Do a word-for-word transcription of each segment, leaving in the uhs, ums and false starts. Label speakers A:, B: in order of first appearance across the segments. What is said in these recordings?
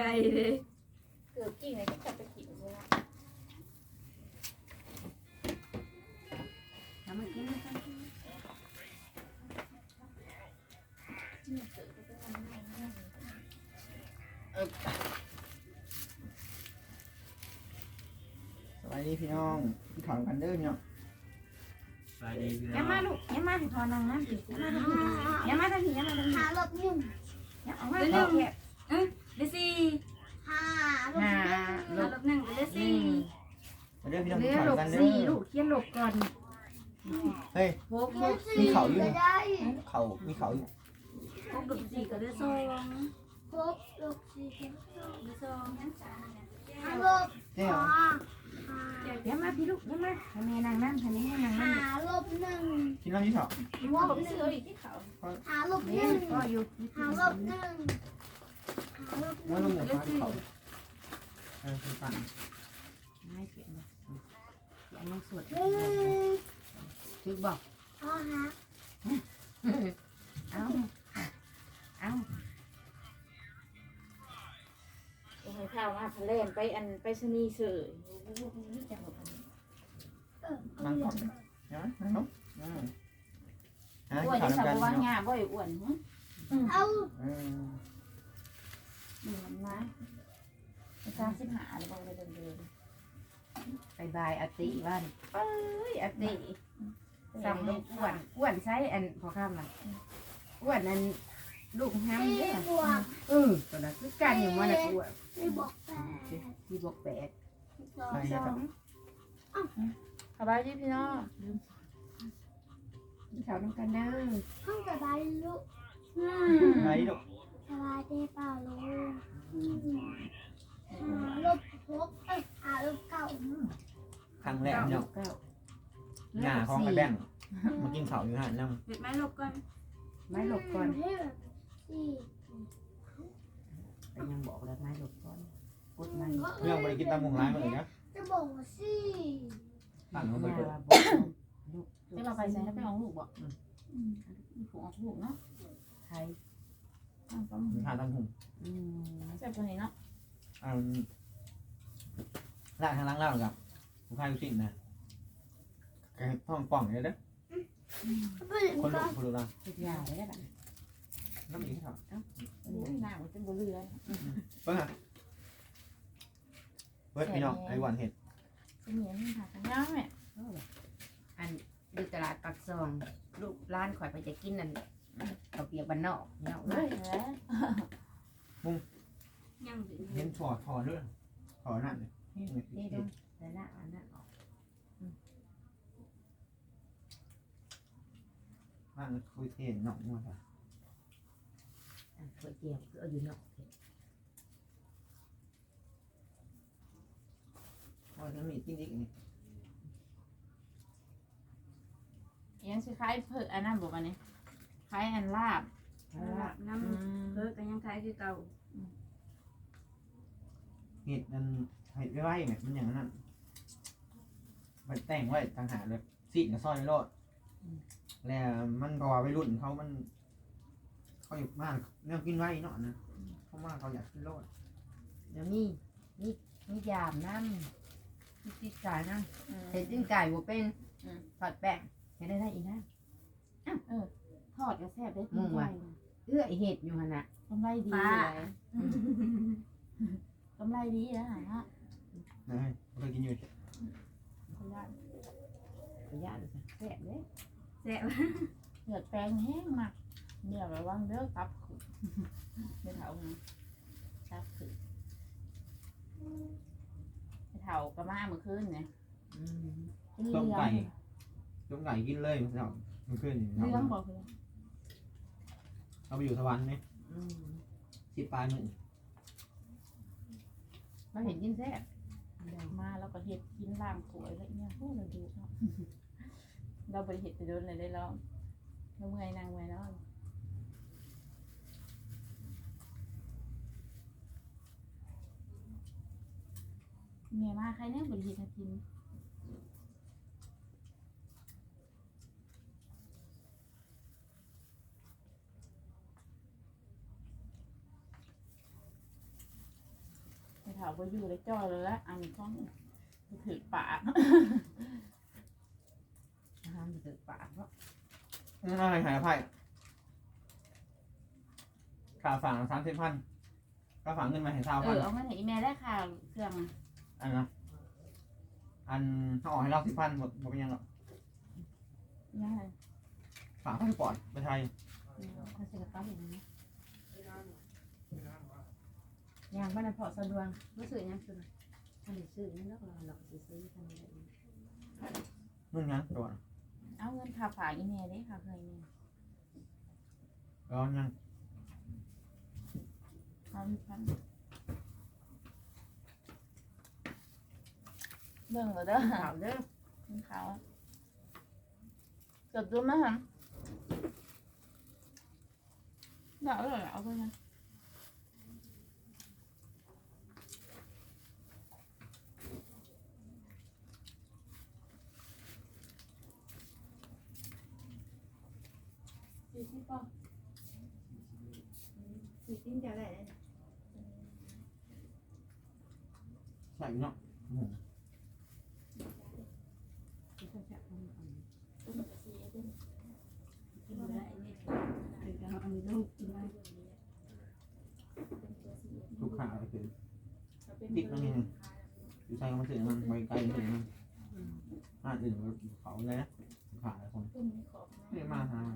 A: เลย
B: เกือบกี่ไหนก็จะไปกินเลยนะ
A: ทำมากินกัน
C: สวัสดีพี่น้องพี่ถอนกันเด้อพี่น้อง
D: สวัสดีพี่น้
A: ยั
D: อง ง
A: มาลูกยังมาถอนนางน้ำสิยังมาทางนี้ยังมาทางนี้
E: หาลบหนึ่ง
A: ยังออกมาเร็วเอ้ยเดซี่
E: หาลบ
A: ห้า
E: หนึ่ง
A: ลบหนึ่งเดซี่
C: มาเด้อพี่น้อง
A: เรือ
C: พี่ถอน
A: ลบ
C: กันเด้
A: สี่
C: อ
A: ลูกเขียนลบก่อน
C: เฮ้ย
A: หกลบ
C: มี
A: สี่
C: เขาอยู่
E: ก็ได้
C: เขามีเขาอยู่
A: หกลบสี่ก็ได้สอง
E: หกลบสี่
A: ได้สอง
E: หาลบ
C: เจ้า
E: หา
A: ยังมาพี่ลูกยังมาทำไมนางน้ำทำไมให้นาง
E: หา
A: น้ำ
E: ลบหนึ่ง
C: กินน้ำยี่ถอด
E: ล
B: ผ
E: บ
B: ม
E: หนึ่
B: ซื้อง อีกที่เขา
E: หาลบห
A: เนี่
E: นึ่
A: ย
E: ง
A: ก็อยู่
E: หาลบหนึ่งหาลบห
C: ว่า
E: นึ่ง
C: ต้องเหนือฟ้าเขาเออคือปั่น
A: ไม่เขียนเลยเขียนลงสวด
E: หนึ่ง
A: คือบอก
E: พอฮะ
A: เอาเอา
B: โอ้ยข้าวมาทะเลไปอันไปชนีเสือนี่จังหวะ
E: เออ
C: นั่งก่อนเห็นไหมนั่งลงอืมอ่ะ
A: อ้วน
C: ถอ
A: จะ
C: น
A: สับ
C: กัน
A: ว่าง
C: พี่น้อง
A: งาบ่อยอ้วนหึ
E: เอา
C: เออ
A: นี่มันนะไปสร้างสิบหาหรือเปล่าเลยเดินๆไปบายอติบ้านเอ้ยอติสั่งลูกอ้วนอ้วนใช้อันพอข้ามมันอ้วนอันลูกห้าม
E: สี่
A: เด้อบ
E: วก
A: เออตอนนั้นคือการอย่างว่าน่ะอ้วน
E: สี่บวกแปด
A: ที่บอกแปด
E: สอง
C: ไป
A: ส
C: ยั
A: อง
C: กับ
A: ง
B: สบายดีพี่น้อง
A: เขาต้องกันเด้อ
E: ห้องสบายลูก
C: ไหนลูก
E: สบายดีเปล่าลูกหาลบหกเอ้ยหาลบเก้า
C: ครั้งแรกพี่น้อง
A: เก้า
C: หน้าของไอ้แบงค์มากินเขาอยู่หันน้
A: ปิดไม้หลบก่อนไม้หลบก่อน
E: ให้แบบสี่
A: แต่ยังบอกแล้วไม้หลบก่อนกดไม้
C: ำเรื่องบริกินตามมุงร้ายมาเลยนะ
E: จะบอกว่าสี่
C: ตั้งเขาไป
A: มา
C: เปิด
A: บอกลูก
B: จะเราไปใส่ให้ไปของลูกบ่
A: ผูกออกลูกเนาะไทย
C: ทานตามหุ่ม
A: อืม
B: ใส่ตัวนี้เนาะ
C: อ่าล่างทางล่างล่างกับผู้ชายผู้สิ่งนะแกท้องป่องเลยเด้อ
E: ไม่
C: คนลุกคนลุกล่าง
A: สุดยอดเลยแบบ
C: น้ำอีกที่ถอด
B: โอ้ยหน้ามันเป็นบัวเรือ
C: เปิ้ลฮะเปิ้ลพี่น้องไอ้หวานเห็ด
B: เสมียนค่ะกันย่างแม่
A: อันดูตลาดปักซองลูกร้านข่อยไปจะกินนั่นเขาเปียกบ้านนอกเนาะ
B: เฮ้ยแล้ว
A: ยังถึง
C: เห็นถอดถอดด้วยถอดนั่นเลย
A: นี่ดูแต่ละอันนั้นออก
C: นั่นคุยเทนหนองมัวค่ะ
A: อันก๋วยเตี๋ยวคือเอาอยู่นอก
C: พอจะมีกินอีกนี่
B: ยังสิคล้ายเผือกอันนั้นบอกอันนี้คล้ายอันลาบ
A: น้ำเพิ่มกันยังคล้ายคือเก่า
C: เห็ดมันเห็ดไว้ไงมันอย่างนั้นมันแต่งไว้ต่างหากเลยสีกับซอยโลดแล้วมันรอไปรุ่นเขามันเขาอยู่มากเรื่องกินไว้เนาะนะเขามากเขาอยากกินโลด
A: เดี๋ยวนี้นี่นี่ยามน้ำนี่ติดกายน้ำเห็ดจิ้งไก่บัวเป็นทอดแป้งเห็นได้ได้อีกนะ
B: ทอดกระแซบได้
A: มุ่งว่ะ เอื้อเห็ดอยู่หันน่ะ
B: กำไรดีเลยกำไรดีนะฮะ
C: นะเคยกินอยู่
B: ขยัน
A: ขยันแซ่บเลย
B: เหือดแปลงแห้งมากเนี่ยระวังเด้อตับขึ้นไม่เท่าไงตับขึ้นไม่เท่ากระมาเมื่อคืนเนี่ย
A: อืม
B: กินเลี้
C: ต้
B: ย
C: ม
B: ง
C: ไก่ต้มไก่กินเลยมันจะมันขึ้น
B: เลี้ยงบอกเลย
C: เราไปอยู่สวรรค์ไหม
A: อืม
C: สิบปลายหนึ่ง
A: เราเห็นกินแซ่บ
B: มาแล้วก็เห็ดกินล่างสวยแล้วเนี่ยพูดเราดูเนาะเราไปเห็ดไปโดนเลยได้แล้วเราเมื่อยนางเมื่อยแล้วเมียมาใครเนี่ยบริเห็ดให้กินาวไปอยู่เลยจ้อยเลยละอันของถือปาก
A: อาหารจะเกิดปากเพราะ
C: อะไรหายไพ่ค่าฝากสามสิบพันค่าฝากเงินมาให้เท่า
B: เอ
C: พัน
B: อเอาเงินให้อีเมลได้ค่ะเครื่องอะ
C: อันนะอันเขาออกให้เราสิบพันหมดหมดเป็นยังหรอก
B: ยังไง
C: ฝากพาสปอร์ตไปไทย
A: เขาจะกระตุ้นอย่างนี้อย่างบ้านพอสะดวกรู้สึกยังคืออันนี้ซื้อนี่แล้วเราหลอกซื้อทำอะไร
C: นู่นยังตัวน่ะ
B: เอาเงินค่าฝากอีเมลได้ค่ะเคยมี
C: แล้วยัง
B: เอาอีกพันเบิ่งก็เด้อ
A: ข่าวเด้อ
B: กินข้าวจดดูไหมฮะเดี๋ยวเลยเอาไปนะสี่สิบป่ะสี่สิบจะได้
C: ใส่เนาะอืม
A: ที่เขาจะทำอันนี้
B: ต้นกระเทียมต้น
A: กินได้เนี่ยคือเราเอาลูกกินได้
C: ทุกขาไปคือดิกนั่นเองอยู่ใส่ก็มาถึงมันไปไกลถึงมันอ่าอื่นเขาเลยนะขาคน
B: ต้นนี้ขอบ
C: เรียกมาหา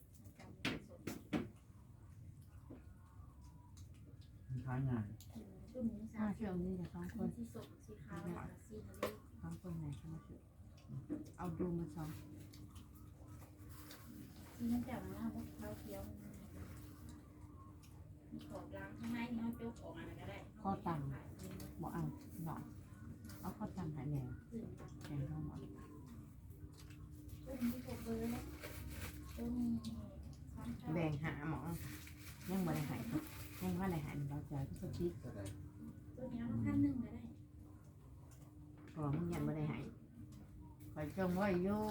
C: ท้ายงาน
B: ต้นนี้
A: ห้า
B: สาม
A: เชือกนี่จะสองคน
B: สีส้มสีขาวสีทะเล
A: สองคนไหนจะมาช่วยเอาดูมาสอง
B: สีน้ำจากน้ำขาวเขียวมีขอบล้างข้างในนี่เขาโจ๊กออกอะไรก็ได้
A: ข้อต่ำบอกเอาหน่อยเอาข้อต่ำหายแนวแนวเข้ามา
B: ต้นนี้หกเบอร์แล้วต้นนี้สามเก้า
A: แบ่งหาหมอยังไม่ได้หายยังว่าได้หายเราจะทุกคนคิด
B: ต้นนี้เอาพันหนึ่งก็ได้
A: เพราะมันยังไม่ได้หายคอยจงไว้อยู่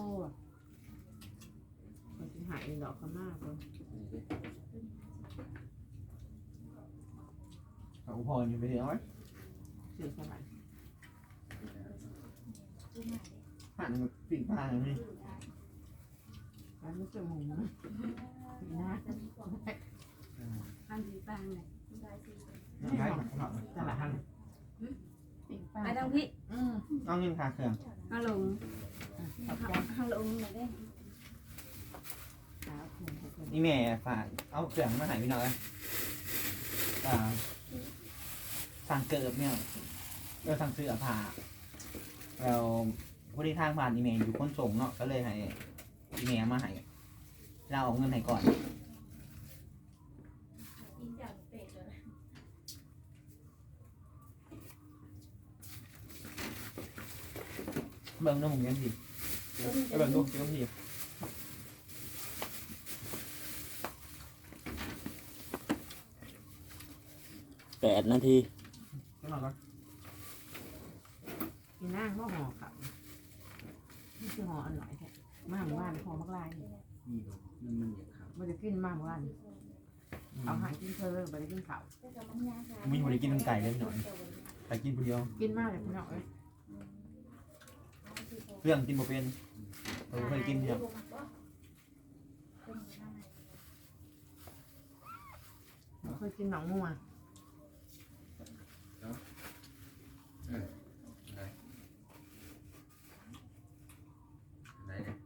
A: มันจะหายดอกก็มากเลย
C: เขาพออยู่ไปเดียวไว้
A: สื่อสลาย
B: ต้นไหน
C: ผ่านกับปีกปลาอย่างนี้
A: แล้วรู้สึกหมูนะนะอันดีปังเลย
B: ได้สี่
C: นั่นไงเขา
A: ตลาด
C: ท่าน
A: ปีกปัง
F: ไปทางพี่
A: อืม
C: เอาเงินคาเครื่อง
F: ฮัลโหล
A: ขอบใจ
F: ฮัลโหลไหนได้
A: ขาวเขียนให้คน
C: นี่แม่ฝากเอาเครื่องมาใหายพี่น้อยอ่าสั่งเกิบเนี่ยเราสั่งซื้อผ้าเราผู้ที่ทางผ่านอีเมลอยู่คนส่งเนาะก็เลยให้อีเมลมาให้เราเอาเงินให้ก่อน
B: กินจากเป็ดเลย
C: เบิ่งน้ำหมูยังดีไปเบิ่งดูยังดีแปดนาทีก็นอนก่อน
A: กินนั่งก็ห่อเขานี่คือห่ออันหน่อยแค่มากว่านห่อมักลาย
D: นี่ดูมันมันอยากขับ
A: มันจะกินมากว่านเอาหางกินเพลินไปกินเขา
C: มีบริกินไก่เลยพี่น้อยไปกินคนเดียว
A: กินมากเลยพี่น้องเอ้ย
C: เครื่องกินบ่เป็นเราเคยกินเนี่ย
A: เคยกินหนองมัว
D: ไหนเนี่ย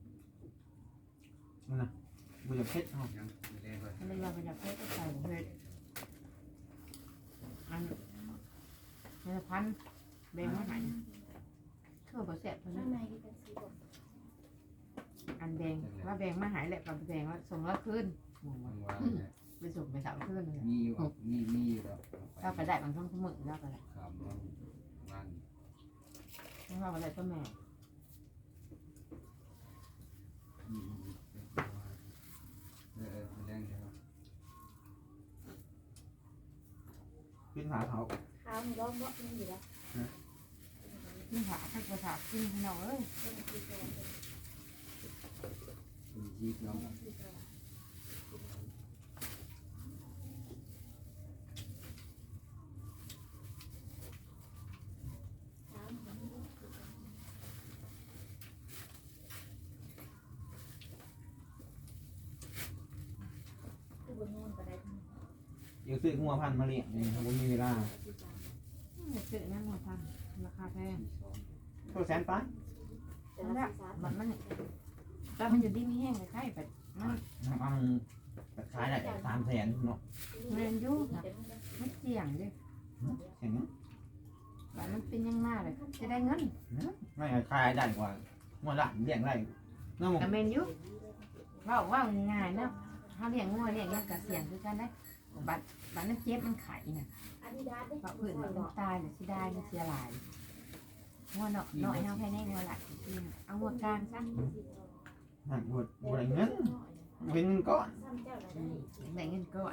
C: นั่นน่ะบุญเพชรเนาะ
D: ยังไม่เล่นเลย
A: ถ้าไม่ยอมไปจับเพชรก็ใส่เพชรอันนี้พันแบงมาหายเชื่อบ่แสบเท่านั้
B: ข้าน งในก็เป็นสีดำ
A: อันแบงว่าแบงมาหายแหละกับแบงว่าส่งแล้วขึ้น
D: มันวางเนี่ย
A: ไปส่งไปสาวขึ้นเลย
D: มีอยู่อ่ะมีมีอยู่แล้ว
A: เราไปได้บางช่องสมึกแล้วก็ได้
D: ขามมันมัน
A: ไม่ว่าอะไรก็แม่
D: มีเออเออแรงใช่ไหม
C: กินหาเขา
B: ขาวมีรอบบ่มีอยู่แล้ว
A: ที่หาถ้าภาษากินพี่น้องเอ้ย
B: ต้นสีตัว
D: มีจีบน้อง
B: สีตัว
A: เ
C: ดี๋ยวซื้องัวพันธุ์มาเลี้ยงนี่ผมมีเวลา
A: ซื้อนั่นมาทำราคาแพง
C: ตัวแสนป้า
A: นั่นแหละมันมันตอนมันอยู่ดีมีแห้งคล้ายๆแบบมัน
C: น้ำอังแบบขายได้สามแสนเนาะ
A: เรียนอยู่นะมันเสี่ยงดิ
C: เสียงนี้
A: แบบมันเป็นยังหน้าเลยจะได้เงิน
C: ไม่ขายได้กว่างัวหลานเลี้ยงได้น้อง
A: กับเมนอยู่ว่าว่าง่ายเนาะเขาเลี้ยงงัวเลี้ยงยังกับเสี่ยงคือกันได้บัตรบัตรนั้นเจ็บมันไข่น่ะเพราะอื่นมันตายหรือสิได้มันเสียหลายงัวเนาะน้อยเอาแค่นี้งัวหลักเอางัวกลางซะ
C: หักบดบดเงินเงินก้อน
A: ได้เงินก่อน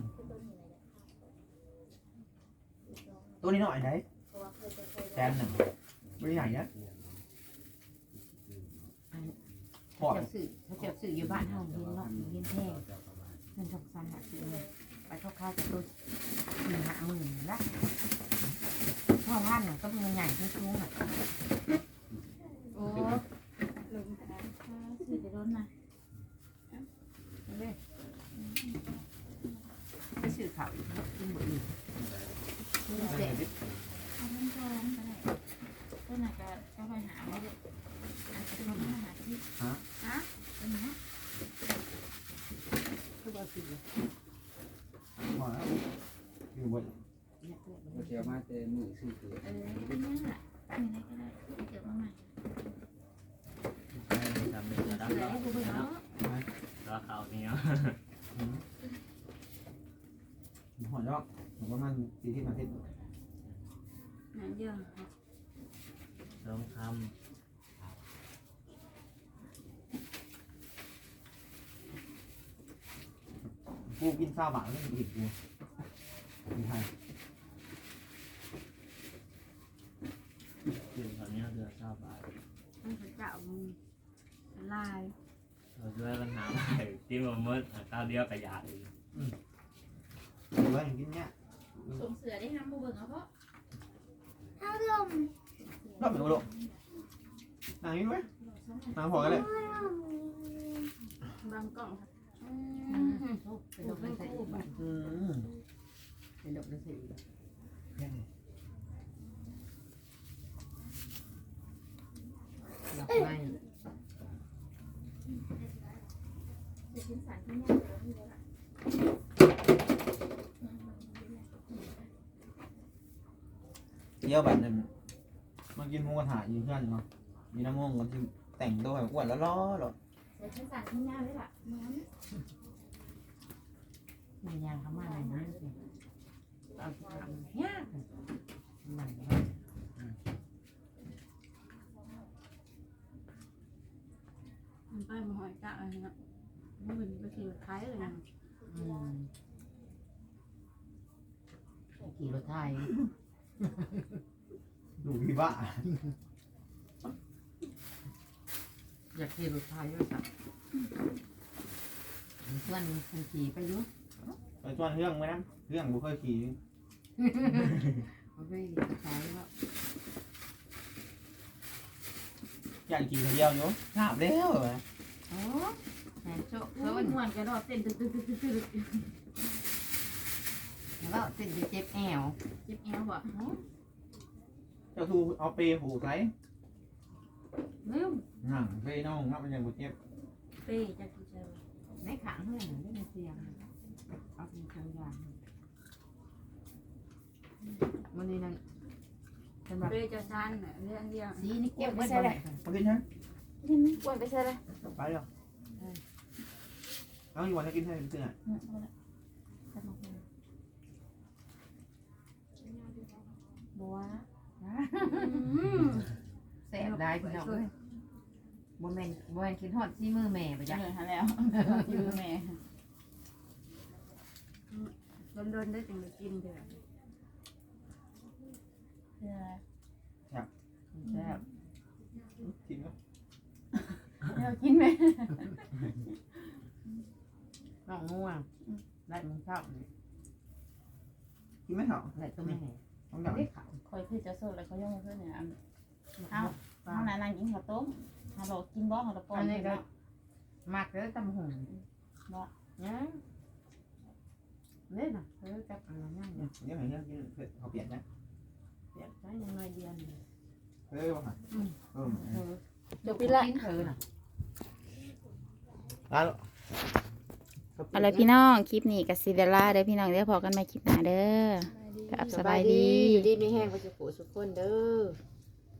C: ตัวนี้หน่อยไหนแสนหนึ่งไม่ใหญ่นะพอ
A: เขาจะซื้อเขาจะซื้ออยู่บ้านเฮาเห็นเนาะเห็นแพงเงินทองสันหาซื้อไปเข้าค่าจะตัวหนึ่งห้าหมื่นละพ่อท่านก็เป็นใหญ่ที่ชู้อ่ะ
B: โอ้ลงแต่สื่อจะโดนนะ
A: ไปซื้อข้าวอีกกินหมดอีกเสร็จ
B: เอาเงินทองก็ได้ต้นน่ะก็ก็ไปหาไม่ได้อาจจะลงมาหาที่ฮะเป็นไง
A: คือว่าซื้อ
C: พอแล้วอยู่บน
A: เนี่ยเพื่อน
D: มาเที่ยวมาเต็มมือซื้อเกลือ
B: เออเป็นยังไงเป็นยังไงก็ได้เดี๋ยวมาใหม่
F: ทำเป็นระดับ
B: เดี๋ยวให้ดูเนาะ
F: ราคาเนี้ย
C: หัวดอกผมว่ามันสี่ที่มาทิศ
B: นั่นเยอะ
F: ลองท
C: กูกินข้าวบาทเรื่องอีกกูมีใคร
F: ำคือตอนนี้เดือดเศร้าบาท
B: มันจะเจาะลาย
F: เราด้วยปัญหาใหม่ที่มันมืดข้าวเดียวกับยาอีก
C: หรือว่าอย่างกินเนี้ย
B: ส่งเสือได้ห้ามบูเบิงเอาเพราะ
E: ถ้าลม
C: รอบเป็นอุดมนางนี้ไหมนางพอกันเลย
B: บางกล่องค่ะ
A: เป็นดอกไม้ใส่อีกบ้าน
C: อืม
A: เป็นดอกไม้ใส่อีกดอกไม้
B: จะชิ้นสารที่นี่เราที่เรา
C: เยี่ยวแบบนึงมากินหมูกระทะอยู่เพื่อนเนาะมีน้ำมันกันที่แต่งตัวแบบอ้วนแล้วล้อหรอ
B: จะชิ้นสารที่นี่เลยล่ะมัน
A: มันยางเขามาอะไรนะสิเอาทำยากมัน
B: มันไปมาหอยกะอะไรเนาะมันเป็นไปขี่คล้ายเลยนะ
A: อืมขี่รถไทย
C: ดูพี่บ้า
A: อยากขี่รถไทยด้วยสักเพื่อนคุณขี่ไปยุ่ง
C: ไปชวนเรื่องไหมนะเรื่องบุเคยขี่
A: เขาไปใช้แล้ว
C: อยากขี่คนเดียวอยู่หนาบแล้วเหรอ
A: โอ้แหนโชค
B: โอ้ยหวนกระโดดเต้นตึ๊ดตึ๊ดตึ๊ดตึ๊ดตึ๊ด
A: แล้วเส้นจะเจ็บแอว
B: เจ็บแอวบ่
C: เจ้าทูเอาเปย์ผูกไซ
A: ลืม
C: หนังเปย์น้องนับมันยังบุเจ็บ
B: เป้จะกินเจอ
A: ในขางเพื่อนไม่ได้เสียงเอาเป็นทางยางวันนี้นั่นเป็นแบบ
B: เป้จะชันเรื่องเดียว
A: สีนี่เก็บไว้เลย
C: มากินฮะ
B: นี่กวนไปใช่เลย
C: ไปเดี๋ยวเอาอยู่วันจะกินให้เป็นเสื้อ
B: บัว
A: แสบได้พี่น้องบนแมนบนแมนคิดฮอดซี่มือแม่ไป
B: จะ
A: จ้ะ
B: เหนื่อยหาแล้วอยู่แม่โดนๆได้จึงได้กินเถอะเพื่อ
A: แซ่บ
C: กินไหม
B: เรากินไหม
A: น้องง่วงได้มึงชอบ
C: กินไหมเหรอ
A: ได้ตัวแม่
C: ต้องอย่าง
A: ได้ขาว
B: คอยคือจะโซ่แล้วเขาย่องเพื่อนเนี่ยเอาเอานานๆกินข้าวต้มฮัลโหลกินบ้องฮัลโหลปอน
A: อันนี้ก็มักแล้วตำหุ่น
B: บ่
A: เนี่ยเล่นน่ะเออกับอะไรนั่น
C: เดี๋ยวเดี๋ยวให้เรื่องกินเผ็ดเขาเปลี่ยนนะ
A: เปียกใช้ยังไงเดียน
C: เฮ้ยว่าไงเออ
A: เออ
B: เดี๋ยวพี่ละ
A: เธอน่ะ
C: แล้ว
B: เอาล่ะพี่น้องคลิปนี้กับซิเดล่าเด้อพี่น้องเด้อพอกันใหม่คลิปหน้าเด้อกับสบายดี
A: อยู่ดีมีแห้งไปสุขสุขคนเด้อ